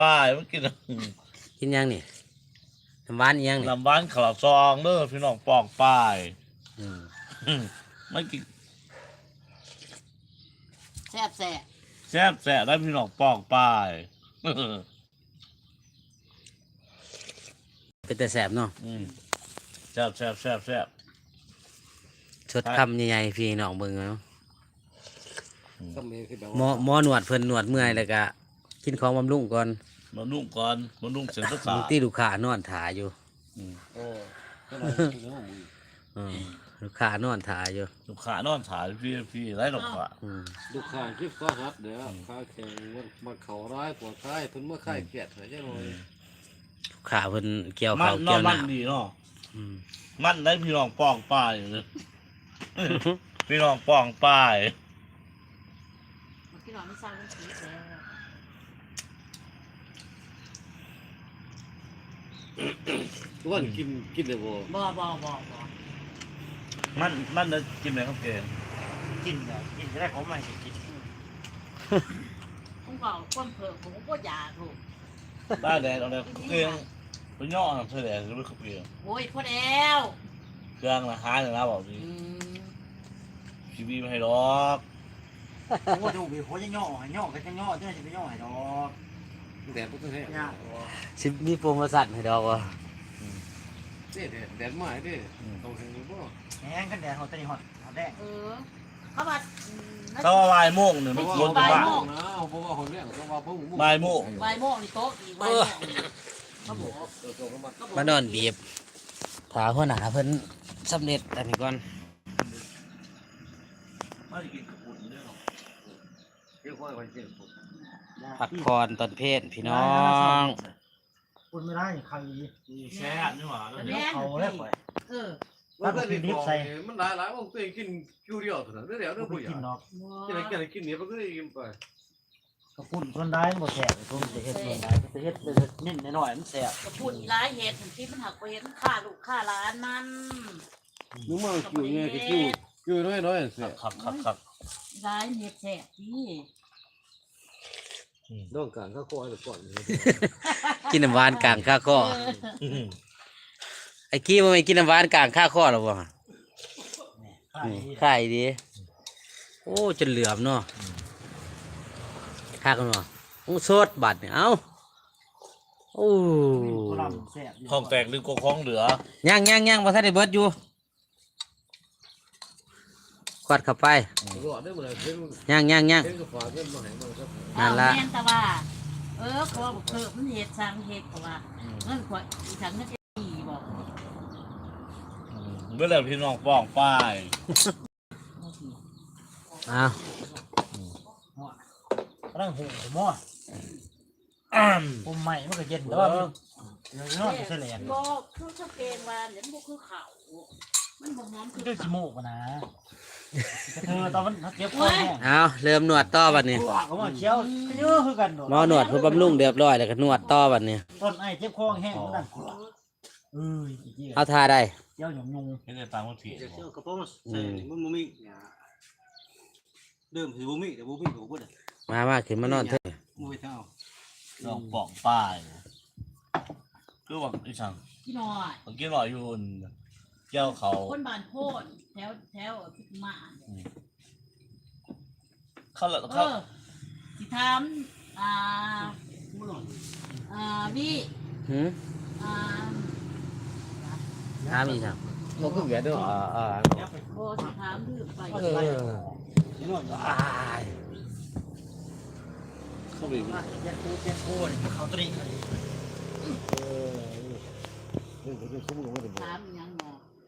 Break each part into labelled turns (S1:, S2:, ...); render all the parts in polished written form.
S1: ป้ายมันกิน
S2: กินยังนี่น้ำหวานยังนี่
S1: ลำบ้านขาวซองเด้อพี่น้องปองป้าย
S2: อืม
S1: ไม่กิน
S3: แซ่บ
S1: แซ่บได้พี่น้องปองป้าย
S2: เป็นแต่แสบเนาะ
S1: แซ่บ
S2: ชดคำใหญ่ๆพี่น้องเบิ่งเนาะ
S4: ก็มีคือแบบ
S2: หมอหนวดเพิ่นหนวดเมื่อยแล้วก็กินของบำรุงก่อน
S1: มานุ่งก่อนมานุ่งเสร็จก็ขา
S2: ลูกที่ลูกค้านอนถ่ายอยู่
S4: โอ้ก็เลยกินแล้วมึง
S2: อืมลูกค้านอนถ่ายอยู่
S1: ลูกขานอนถ่ายพี่ไรหรอกค่ะ
S2: อืม
S4: ลูกค้าคลิปก็ฮัดเดี๋ยวข้าแข่งมันเขาร้ายปวดท้ายทุนเมื่อไข้เกลียดเหรอใช่ไหม
S2: ลูกค้าเพิ่นเกี่ยว
S1: มั
S2: ข้าวน
S1: นอ
S2: เกี่ย
S1: น
S2: ว
S1: มัน
S2: น้ำ
S1: ดีเนาะ
S2: อืม
S1: มันได้พี่น้องปองป้ายเลย พี่น้องปองป้าย
S3: ๆมันกินหน่อยไม่สร้างมันสีแล้ว
S4: ทุกวันกินเลยบ่
S3: บ่
S1: มันได้กินไหมครับเกง
S5: กินเลยกินจะได้ของใหม่กิน
S3: ผมก็ก้นเผือกผมก็อยากถูก
S1: ได้แดดเอาเลยเกงไปย่อทำเสด็จหรือไม่ขับเกง
S3: โอ้ยพอแล้ว
S1: เครื่องนะหายเลยนะบอกดี ชีวีไม่ให้หรอก
S5: โอ้ดูบีโคจะย่อก็จะย่อจะไปย่อให้ดอก
S4: แดดต้องให้
S2: สิมีโปรโมชั่นให้ดอกว่ะ
S4: แดดมาดิต้องให้บ่
S5: แห้งกันแดดเขาตะนี่หอดแดง
S3: เขาว่า
S1: ถ้าว่าบ่ายโมงเนี่ยมันควรจะบ้า
S4: นะเพราะว่าคนเนี้ยต้องว่าพวก
S1: บ่ายโมง
S3: ใบโมกนี่โต๊ะอีกใบโมกเขาบอก
S2: มานอนบีบถาหัวหน้าเพิ่นสำเร็จอันนี้ก่อน
S1: ไม่ได้กินกระปุกเนี่ยหรอก
S4: เกี่ยวกับคนเจ็บ
S2: พักผ่อนตอนเพศพี่น้อง
S5: คุณไม่ได้ใคร
S1: แช่นี่หว่า
S5: เขาแล้วไป
S4: มันก็ดิบใส่มันหลายว่าตัวเองกินคิวเดียวเท่านั้นเดี๋ยว
S5: กู
S4: ผู้
S5: ไป
S4: ใหญ่
S5: กินดอก
S4: กินเนี่ยมันก็ได้กินไป
S5: กระปุ่นคนได้หมดแสบตัวจะเฮ็ดคนได้จะเฮ็ดเน้นหน่อยมันแสบ
S3: กระปุ่นร้ายเห็ดที่มันหักไปเห็นฆ่าลูกฆ่าร้านมัน
S4: มึงมาคิวเนี่ยคิวน้อยเสีย
S1: ครับ
S3: ร้ายเห็ดแสบที่
S4: ต้องการข้าวโพดหรือก่อน
S2: กินน้ำหวานกลางข้าข้อไอ้กี้มันไม่กินน้ำหวานกลางข้าข้อหรอวะนี่ไข่ดีโอ้จนเหลือมเนาะข้ากันวะโอ้สดบัดเนี่ยเอ้าโอ้
S5: แสบ
S1: ทองแตกหรือก็คล้องเหลือ
S2: ยังบ่ทันได้เบิดอยู่กวาดเข้าไป
S4: รอได้หมดเลยเพิ่ง
S2: ยัง
S4: เพิ่งก็ฝากเงินมาให้มันครับ
S2: นั่นล่ะ
S3: แม่นแต่ว่าเขาบอกเพิ่มมันเห็ดสร้างเห็ดเพราะว่าเงินขวดอีสังเงินดีบอก
S1: เมื่อไหร่พี่น้องปองป้าย
S2: อ้าว
S5: ร่างหูหม้อผมใหม่มันก็เย็นแต่ว่าน้อยเฉลี่ย
S3: บอกคือชอบเกงวานเดี๋ยวมันคือเขามันบ่หอมคือ
S5: ด้วย
S3: เขา
S5: ขี้มูกนะตอนมันเก็บคอแห้ง
S2: เอาเริ่มนวดต่อบัดนี้
S5: เขามาเคี้ยวเยอะคือกัน
S2: หมอนวดเพื่อบำรุงเรียบร้อยแล้วก็นวดต่อบัดนี้
S5: ต้นไอ้เจ็บคอแห้งนั่นเ
S2: เอาทาได้
S5: เจ้าหยงยุง
S1: ไม่ได้ตามคนผิด
S4: เจ้ากระป๋องใส่มันบ่มีเดิมสิบ่มีแต่บ่มีก็บ่ได้
S2: มาขึ้นมานอนเถอะ
S4: บ่ไปเท่า
S1: น้องปองป้ายคือว่าอีสัง
S3: พี่น้อย
S1: ผมกินหน่อยอยู่เจ้าเขา
S3: คนบ้านโพดแถวพิมาน
S1: เขาเลย
S3: สิทำวิ
S2: หืม ถามอีกครับ
S4: เราก็แก่เด้อ
S3: โบสิทำดื้อไป
S4: เขาไป
S5: เจ็บคูเขาตรี
S3: ถามยังง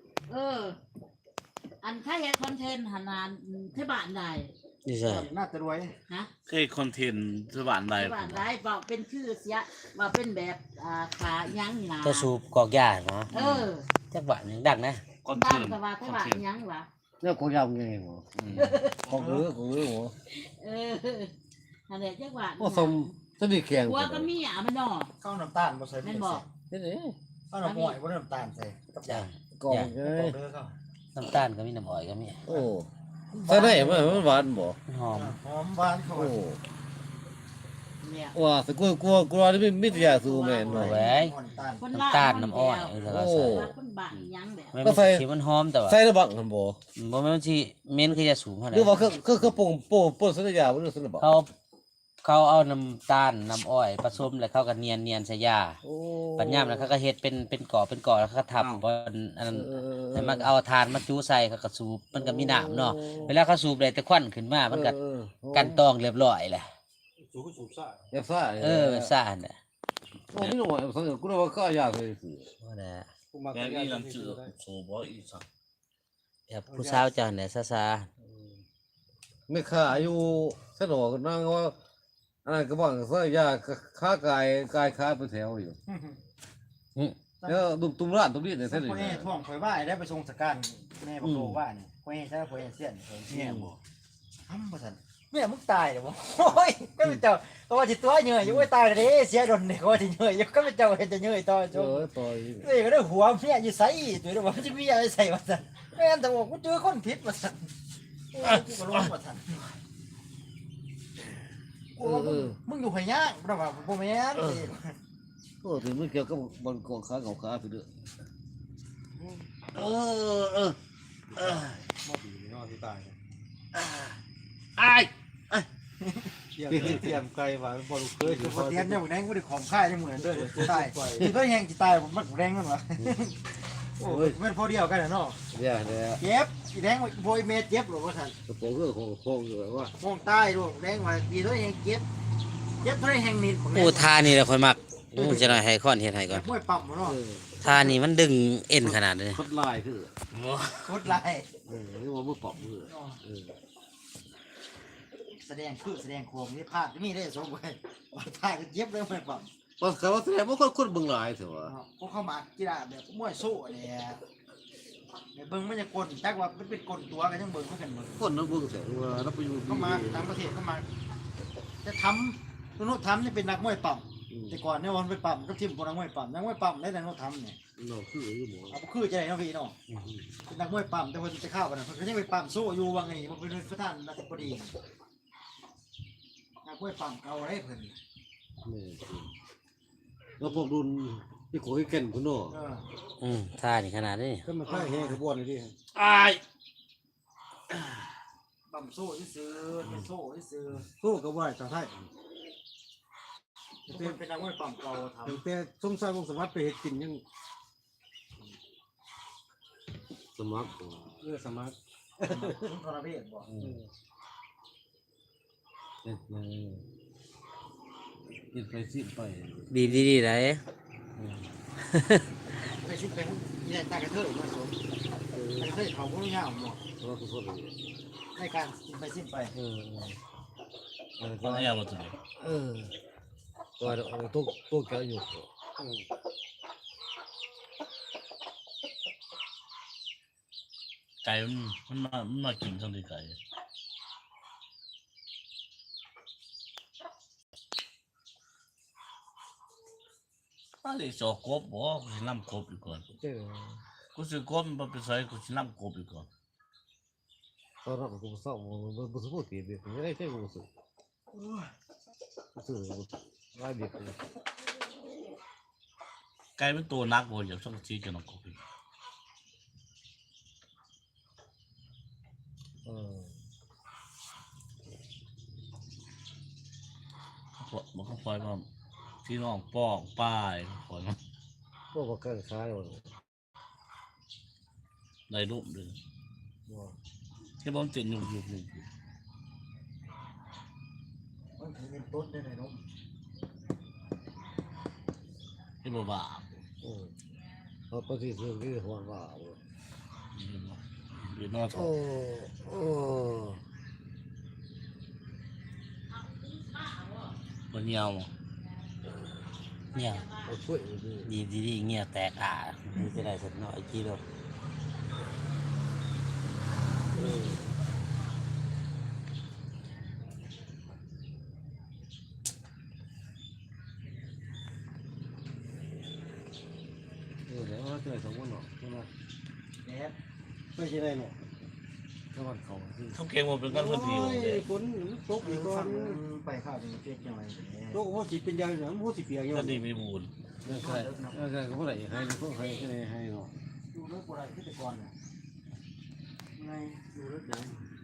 S3: อันถ้าเห็นคอนเทนต์หันนานที่บ้านใด
S2: นี่ใช่
S5: น่าจะรวย
S3: ฮะ
S1: เคยคอนเทนต์สวรรค์ใด
S3: ที่บ้านใดบอกเป็นชื่อเสียว่าเป็นแบบขายังนี่นะ
S2: จะสูบกอกยาเนาะจักบาทหนึงดังนะ
S1: คอนเท
S3: บ้าน
S1: นต์
S3: ก็ว่าที่บ้านยังวะ
S4: แล้วก็ยาวไงหัวของหัว
S3: อันนี้จักว่า
S4: โอ้สมสมีแข็ง
S3: หัวก็มีมันเนาะ
S5: ข้าวน้ำตาลบ่ใส่
S3: แม่นบอก
S4: นี่นี่
S5: ข้าวน้ำอ้อยบ่น้ำตาลใส่
S2: จ้ะ
S4: กองเล
S5: เด้อเขา
S2: น้ำตาลก็มีน้ำอ้อยก็มี
S4: โอ้ใส่ได้มันหวานบ่
S2: หอม
S5: หอมหวานเขา
S4: โอ้
S3: เนี่ย
S4: ว่าแต่กลัวนี่ไม่จะสู้แม่น
S2: โอ้
S4: เนาะ
S2: ย
S3: คน
S2: น้ำตาลน้ำอ้อยแล้วก็ใส่
S3: คนบ้าอีหยังแบบ
S2: มันเป็นสีมันหอมแต่ว่า
S4: ใส่ระบังกันบ่
S2: บ่แม่นสิเหม็นคือยาสูบเท่า
S4: ห
S2: นั้
S4: รื
S2: น
S4: อว่าคือป่นสัญญาบ่หรือสัญญาบ่
S2: เขาเอาน้ำตาลน้ำอ้อยผสมแล้วเขาก็เนียนใส่ยา
S4: โอ้
S2: ปัญญามแล้วเขาก็เฮ็ดเป็นก่อแล้วเขาก็ทับบ่อันนั้นแล้วมันเอาถ่านมาจูใส่เขาก็สูบมันก็มีน้ำเนาะเวลาเขาสูบได้แต่ควันขึ้นมามันก็กันตองเรียบร้อยแหละ
S4: อย่าซ่า
S2: ซ่านน่ะ
S4: โอ้ไม่รู้ว่าสัญญากูว่าก็ยากเลยสิ
S2: บ่ได้
S1: แม่นี่ลำชื่อโซบออีสัก
S2: แบบผู้สาวเจ้าเนี่ยซา
S4: ไม่ค่าอยู่สนอก็นั่งว่าอันนั้นก็บอกสัญญาค้ากายค้าไปแถวอยู่
S2: ๆ
S4: แล้วตุ้มร้านตุ้มนี่เนี่ย
S5: ท่า
S4: เส้
S5: น
S4: น
S5: พ่อ
S4: นี่
S5: แห่ท่วงข่อยว่าได้ไปทรงสการแม่บอกโลว่าเนี่ยพ่อแห่ใช่พ่อแห่เสี้ยนเสี้ยนบอกอ้ำบ่ทันแม่มึงตายเดี๋ยวบ่โอ้ยก็เป็นเจ้าก็ว่าสิตัวเหนื่อยอยู่ไอ้ตายเลยเสียดนเนี่ยก็ว่าสิเหนื่อยอยู่ก็เป็นเจ้าเห็นจะเหนื่อยต่อจน
S4: ต่อย
S5: เอ้ยก็ได้หัวเมียอยู่ใส่ตัวเดียวว่ามันจะมีอะไรใส่มาสั่นแม่นแต่บอกกูเจอคนผิดมาสั่นโอ้ยกูก็ร้องมาสั่นกูว่ามึงอยู่ไหย่างเพราะว่าบ่แม่น
S4: โอ้ถึงมันเกี่ยวกับบอลกองขาของขาไปเด้อ
S5: บ่ดีเนาะที่ตาย
S2: อ้าย
S5: เตรียมไกลว่าบ่รู้เคยสิบ่เตรียมเนี่ยบ่ได้กูได้ของค่ายได้มื้อนั้นเด้อตายนี่ก็แฮงสิตายผมมันแรงนั่นวะโอ้ยมันพอเดียวกันเนาะ
S4: เนี่ยเนี่ย
S5: เจ็บอีแดงโวยเมเจ็บหรอว่าสั่น
S4: กระโปรงเรื่องของอยู่แบบว่า
S5: มองใต้ลูกแดงว่าดีตัวเองเจ็บเตัวเองแฮงนิด
S2: โอ้ทานี่แหละค่อยมักจะหน่อยให้ค้อนเฮ็ดให้ก่อน
S5: มวยปั๊มเนาะ
S2: ทานี่มันดึงเอ็นขนาดนี้
S4: คดลายคือ
S5: โคตรลาย
S4: นี่ว่ามือปอบคือ
S5: แสดงโคมนี่พลาดมีได้สมไว้พลาดก็เจ็บเลยมวยปั๊ม
S4: ตอนเขาว่าแสดงว่าคนเบิ่งหลายเถอะวะ
S5: พวกเข้ามากีฬาแบบมวยสู้เนี่ยเบิ่งมันจะกลจักว่ามันเป็นกลตัวกันยังเบิ่งมันกันเบิ่ง
S4: คนนั้นเบิ่งเสียว่านับไปอยู่
S5: เข้ามาต่างประเทศเข้ามาจะทำนุทำนี่เป็นนักมวยปั๊มแต่ก่อนเนี่ยวันไปปั๊มก็ทีมคนนักมวยปั๊มนักมวยปั๊มได้แต่นุทำเนี่ย
S4: เนาะคืออยู่หมอ
S5: เอาคือจะได้น้องพี่น้องเป็นนักมวยปั๊มแต่ว่าจะเข้ากันนะเพิ่นยังไปปั๊มสู้อยู่ว่าไงมันเป็นประธานรัฐบดีนักมวยปั๊มเอาได้เพิ่น
S4: แล้วพวกรุ่นที่โขยแก่นคุณเนาะ
S2: ทานี่ขนาดนี้
S4: ก็มาค่ายแห่ขบวนเลยดิ
S2: อ้าย
S5: ปั๊มสู้ซื้อเป็นสู้ซื้อ
S6: สู้กับว่าชาวไทย
S5: เป็นนักมวยปั๊มเก่าทำ
S6: ตั้งแต่สมชายวงศ์สวัสดิ์ไปเฮ็ดกินยัง
S4: สมัคร
S6: เลือสมัคร
S5: ทุนทรเพศบ่
S4: กินไปสิไป
S2: บีบดีๆได้
S5: ไปชิดไปนี่ตากระเทยมาสมตากระเทยเขาก็ยาวหมด
S4: แล้วก็คน
S5: ในการสิ้นไปสิ้นไป
S1: คนนี้มาถึง
S4: ตัวแกอยู่
S1: ไก่มันมากินทั้งที่ไก่อะไรจอกกบบ่กูสิน้ำกบอีกก่อน
S6: เจอ
S1: กูสิกบมันไปใส่กูสิน้ำกบอีกก่อน
S4: ตอนนั้นกูสอบมันบุษบตีเด็กไม่ได้ใช่กูสุสุร้ายเด็กเลย
S1: ไก่เป็นตัวนักบ่อยากช่องชี้จะน้ำกบอีกมันก็ปล่อยมาพี่น้องป้องป้ายปล่อยมา
S4: พวกกันค้ายหมด
S1: ได้รูปเลยที่ผมติดอยู่
S5: มันถือเป็นต้นได้เลยเนาะ
S1: ที่บ่บาป
S4: เขาปฏิเสธที่หัวว่า
S1: อยู่นอกท้องบ่เหนียว
S2: เนี่ย
S4: ช่วยดี
S2: บีบดีๆเงี้ยแตกมันจะได้สักหน่อยกี่โล
S4: เดี๋ยวเราจะสองคนหรอกใช่ไหม
S5: เนี่ย
S6: ไม่ใช่ได้หรอก
S4: จังหวัดเขาคือ
S1: เขาเก่งหมดเป็นกันคนเดียวเลย
S6: ฝนตกอีกก่อ
S5: ฟั
S6: น
S5: งไปข้าวเป็นเจ๊กยังไง
S6: ตกว่าสิเป็นยางอย่างว่าสิเปียกอยู่
S1: ก็ดีมีบุญ
S4: เรื่องใครก็บ่ได้ให้พวกใครก็ได้ให้เนาะ
S5: ดูเรื่องอะไรที่แต่ก่อนน่ะไงดูเรื่องไหน